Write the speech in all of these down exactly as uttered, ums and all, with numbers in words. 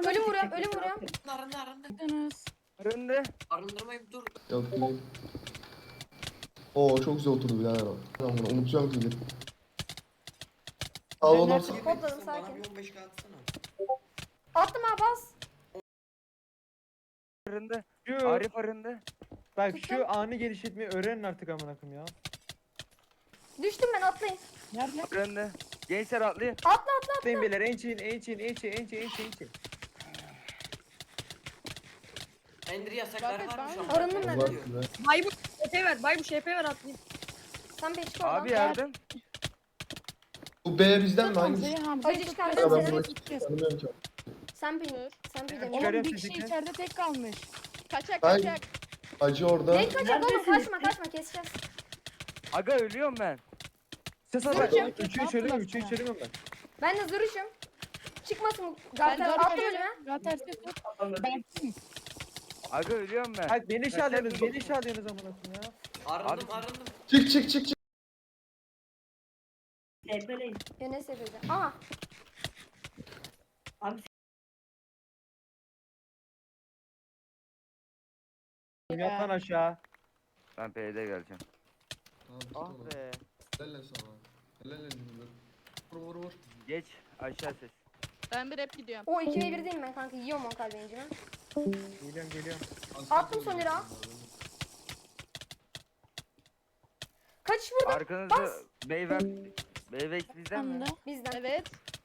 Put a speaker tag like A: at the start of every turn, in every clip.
A: Ölüm vuruyorum, ölüm vuruyorum.
B: Arındı arındı.
C: Arındı.
B: Arındırmayayım dur.
D: Yok değil. Oo çok güzel oturdu birader o. Ben bunu unutacağım ki. Sağ ol olsun.
A: Kodladım,
B: Bana
A: sakin.
B: bir on beş k atsana.
A: Attım ha, bas.
C: Arındı.
E: Şu,
C: Arif arındı.
E: bak
A: Tuttum.
E: şu anı genişletmeyi öğrenin artık amına koyayım ya.
A: Düştüm ben, atlayın.
F: Nerede?
C: Arındı. Gençler atlayın.
A: Atla atla.
E: Atlayın beyler, ençin ençin ençin ençin ençin ençin.
B: Ender yasakları
F: Bakın,
B: varmış
F: ben-
B: ama.
A: Arındım ben.
D: Bak be.
F: Bay bu Ş P ver. Bay bu Ş P ver atlayayım.
A: Sen bir çık oradan.
C: Abi yardım.
D: Bu B bizden mi?
F: Hamzayı
D: Hangisi?
F: Hamzayı
A: Acı
F: tut.
A: çıkaracağım
D: Ya ben
A: seni.
D: bunu
F: Gideceğiz.
D: tanımıyorum ki.
A: Sen bir. Sen bir de.
E: Çıkar-
F: Oğlum
E: Çıkarıyorum
F: bir kişi
E: sesini.
F: içeride tek kalmış.
G: Kaçak
D: Ben-
G: kaçak.
D: Acı orada.
A: Renk kaçak oğlum, kaçma kaçma, keseceğiz.
C: Aga ölüyorum ben.
E: Ses at
A: Zırhçı.
E: bak. Üçüyü söylemiyorum, üçüyü söylemiyorum ben.
A: Ben de zırışım. Çıkmasın bu.
F: Ben
A: Garter atla ölüme.
F: Gater ses tut. Ben kim?
C: Aga ölüyorum ben.
E: Bak beni şey alıyorsunuz, beni şey alıyorsunuz amına koyayım ya.
B: Arındım
C: Abi-
B: arındım.
D: Çık çık çık çık.
H: Tepeleyin.
A: Ya ne seviyede? Aha.
H: Abi
E: Yat lan aşağı.
C: Ben P'de geleceğim.
D: Tamam tut
C: Ah
D: onu.
C: be.
D: Helal lan sana. Helal lan cümle. Vur vur vur.
C: Geç aşağı ses.
G: Ben bir hep gidiyorum.
A: O iki ve bir değilim ben kanka. Yiyorum on kalbencimi.
E: Geliyorum geliyorum.
A: Attım son lira. Kaçış burada.
C: Arkanızda Beyvex Beyvex bizden mi?
F: Anında.
A: Bizden.
G: Evet.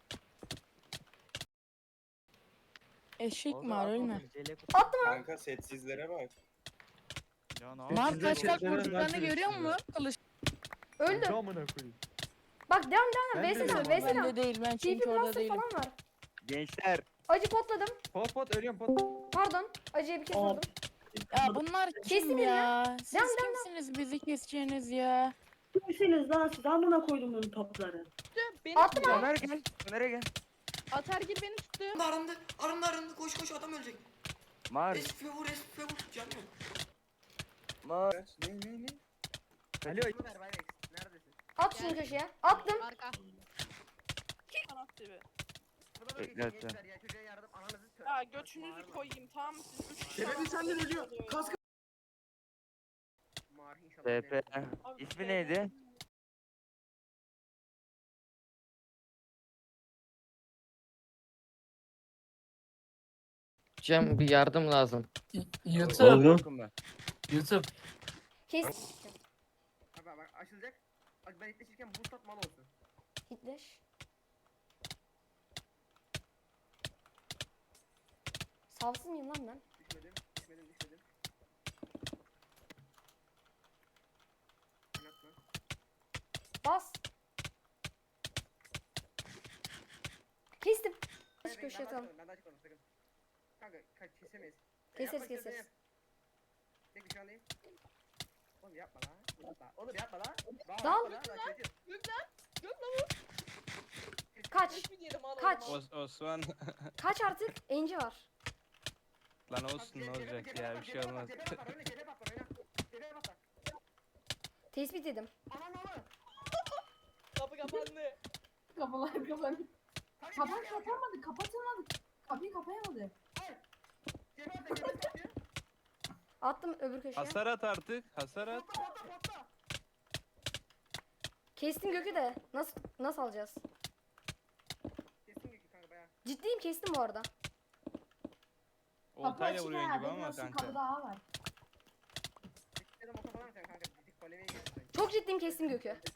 F: Eşek mi var ölme.
A: Attım ha.
I: Kanka setsizlere bak.
F: Mar kaç kaç
E: Sizler-
F: vurduklarını
E: sizler-
F: görüyor musun? Kılıç.
A: Öldüm.
E: Amına koyayım.
A: Bak devam devam.
E: Ben de
A: Veysel
E: öldüm.
A: al. Veysel al.
F: Bende değil ben
A: T
F: çünkü
A: P
F: orada
A: Master
F: değilim.
A: falan var.
C: Gençler.
A: Acı potladım.
E: Pot pot ölüyorum pot.
A: Pardon. Acıya bir kez
H: Aa.
A: vurdum.
F: Ya bunlar
A: Kesin
F: kim
A: ya.
F: ya? Siz
A: Devam, devam,
F: kimsiniz bizi keseceğiniz ya?
H: kimsiniz lan siz? Amına koydum bunun topları.
G: Beni
A: Attım
G: tuttu.
A: ha.
C: Ömer gel. Ömer'e gel.
G: Atargil beni tuttu.
B: Arındı arındı. Arındı arındı. Koş koş adam ölecek.
C: Mar.
B: Esfe vur esfe vur. Canım yok.
C: Mar.
I: Ne ne ne?
E: Alo.
A: At şunu köşeye. Attım.
G: Arka.
C: Bekle hatta.
G: Ya göçünüzü koyayım tamam mı siz? Üç kişi.
I: Şerefsiz senden ölüyor. Kask.
C: P P. İsmi neydi?
J: Cem bir yardım lazım.
C: YouTube. Korkun ben.
J: YouTube.
A: Kes.
I: Bak bak açılacak. Bak ben itleşirken boost at mal olsun.
A: Hitleş. Savsız mıyım lan ben?
I: Düşmedim. Düşmedim düşmedim. Oynatma.
A: Bas. Kestim.
I: Hayır,
A: Hiç
I: ben
A: köşeye
I: daha
A: atalım.
I: çıkmadım, ben daha çıkmadım, sakın. Kanka kaç kesemeyiz. Ya
A: Keseriz,
I: yapma,
A: keseriz.
I: yap. Tek şu an değil. Oğlum yapma lan. Yapma. Oğlum yapma lan. Bak,
A: Dal.
I: yapma lan, bak, çocuğum.
A: Kaç. Kaç.
K: Os Osman
A: Kaç artık? Enci var.
K: lan olsun ne olacak ya bir şey olmaz.
I: Cebe basar, oyna, cebe basar, oyna. Cebe basar.
A: Tespit edim.
I: Aman aman.
G: Kapı kapandı.
H: Kapılar kapandı.
I: Hadi,
H: Kapı
I: gel, gel, gel.
H: kapatmadı, kapatılmadı. Kapıyı kapayamadı.
I: Cebe basar, cebe basar.
A: Attım öbür köşeye.
K: Hasar at artık hasar at.
I: Potla, potla, potla.
A: Kestim Gökü de. Nasıl nasıl alacağız?
I: Kesin Gökü kanka bayağı.
A: Ciddiyim, kestim bu arada.
K: Oltayla vuruyorsun gibi ama kanka.
H: daha var.
I: Ya da motor falan mı sen kanka? Dik polemiğe girsin.
A: Çok ciddiyim, kestim Gökü.